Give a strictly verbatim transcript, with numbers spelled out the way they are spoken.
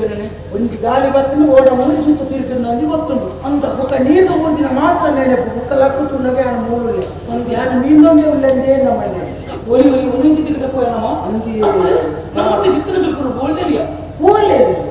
ಗೊತ್ತಿದ್ದೇನೆ. ಒಂದು ಗಾಳಿ ಬರ್ತದೆ ಓಡ ಮೂರು ಸುತ್ತ ತಿರುಗಿ ನಂಗೆ ಗೊತ್ತುಂಟು ಅಂತ ಬುಕ್ಕ ನೀರು ಊರಿನ ಮಾತ್ರ ನೆನಪು ಬುಕ್ಕ ಲಕ್ಕುತ್ತುಂಡಗೆ ಆ ಮೂರು ಒಂದು ಯಾರು ನೀಂದೊಂದೇ ಉಳ್ಳಂದೇ ನಮ್ಮನೆ ಒಲಿ ಒಲಿ ಉಳಿಂಚಿ ತಿಕ್ಕದ ಪೋಯನಮ್ಮ ಅಂದಿ ನಮ್ಮತ್ತೆ ಗಿತ್ತನ ತಿಳ್ಕೊಂಡು ಬೋಲ್ದೇರಿಯ ಓಲೆ